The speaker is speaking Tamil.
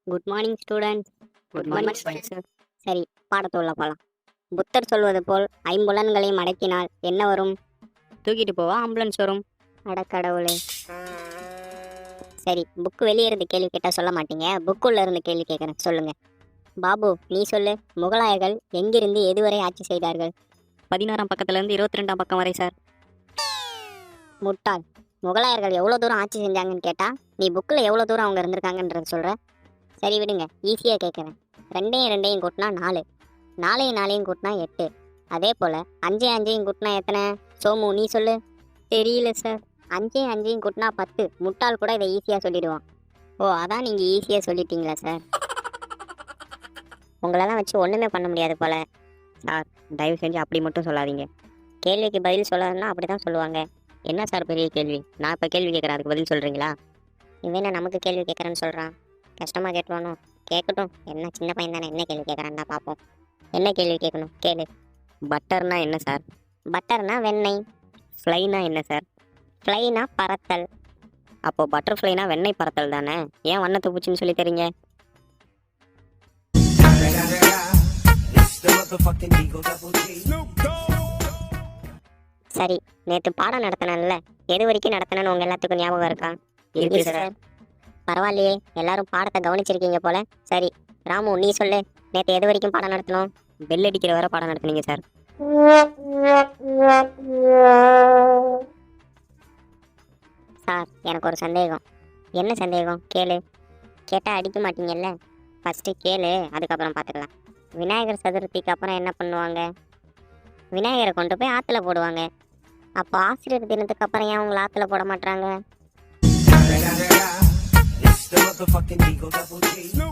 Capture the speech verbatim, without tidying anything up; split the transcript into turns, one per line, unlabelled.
Good morning students.
Good morning sir.
சரி, பாடத்துள்ள போகலாம். புத்தர் சொல்வது போல் ஐம்புலன்களை மடக்கினால் என்ன வரும்?
தூக்கிட்டு போவா ஆம்புலன்ஸ் வரும்.
அடக்கடவுளே. சரி, புக்கு வெளியே இருந்து கேள்வி கேட்டால் சொல்ல மாட்டீங்க, புக்குள்ள இருந்து கேள்வி கேட்குறேன், சொல்லுங்க. பாபு, நீ சொல்லு. முகலாயர்கள் எங்கிருந்து எதுவரை ஆட்சி செய்தார்கள்?
பதினாறாம் பக்கத்துல இருந்து இருபத்தி ரெண்டாம் பக்கம் வரை சார்.
முட்டாள். முகலாயர்கள் எவ்வளோ தூரம் ஆட்சி செஞ்சாங்கன்னு கேட்டா நீ புக்கில் எவ்வளோ தூரம் அவங்க இருந்திருக்காங்கன்றது சொல்கிற. சரி விடுங்க, ஈஸியாக கேட்குறேன். ரெண்டையும் ரெண்டையும் கூட்டினா நாலு, நாலையும் நாளையும் கூட்டினா எட்டு. அதே போல் அஞ்சையும் அஞ்சையும் கூட்டினா எத்தனை? சோமு, நீ சொல்லு.
தெரியல சார்.
அஞ்சையும் அஞ்சையும் கூட்டினா பத்து. முட்டாள் கூட இதை ஈஸியாக சொல்லிடுவான். ஓ, அதான் நீங்கள் ஈஸியாக சொல்லிட்டீங்களா சார்? உங்களெல்லாம் வச்சு ஒன்றுமே பண்ண முடியாது போல்.
சார், தயவு செஞ்சு அப்படி மட்டும் சொல்லாதீங்க.
கேள்விக்கு பதில் சொல்லாதுன்னா அப்படி தான் சொல்லுவாங்க.
என்ன சார் பெரிய கேள்வி? நான் இப்போ கேள்வி கேட்குறேன், அதுக்கு பதில் சொல்கிறீங்களா?
இவன் நமக்கு கேள்வி கேட்குறேன்னு சொல்கிறான். கஷ்டமாக கேட்டுவானோ? கேட்கட்டும், என்ன சின்ன பையன் தானே, என்ன கேள்வி கேட்குறான்னா பார்ப்போம். என்ன கேள்வி கேட்கணும் கேளு.
பட்டர்னா என்ன சார்?
பட்டர்னா வெண்ணெய்.
ஃப்ளைனா என்ன சார்?
ஃப்ளைனா பறத்தல்.
அப்போது பட்டர்ஃப்ளைனா வெண்ணெய் பறத்தல் தானே, ஏன் வண்ணத்தை பூச்சின்னு சொல்லி தரீங்க?
சரி, நேற்று பாடம் நடத்தினேன்ல, எது வரைக்கும் நடத்தினேன்னு உங்கள் எல்லாத்துக்கும் ஞாபகம் இருக்கா?
இருக்கு சார்.
பரவாயில்லையே, எல்லாரும் பாடத்தை கவனிச்சிருக்கீங்க போல. சரி, ராமு, நீ சொல்லு. நேற்று எது வரைக்கும் பாடம் நடத்தணும்?
பெல் அடிக்கிற வரை பாடம் நடத்துனீங்க சார்.
சார், எனக்கு ஒரு சந்தேகம். என்ன சந்தேகம்? கேளு. கேட்டால் அடிக்க மாட்டீங்கல்ல? ஃபஸ்ட்டு கேளு, அதுக்கப்புறம் பார்த்துக்கலாம். விநாயகர் சதுர்த்திக்கு அப்புறம் என்ன பண்ணுவாங்க? விநாயகரை கொண்டு போய் ஆற்றுல போடுவாங்க. அப்போ ஆசிரியர் தினத்துக்கு அப்புறம் ஏன் உங்களை ஆற்றுல போட மாட்டாங்க?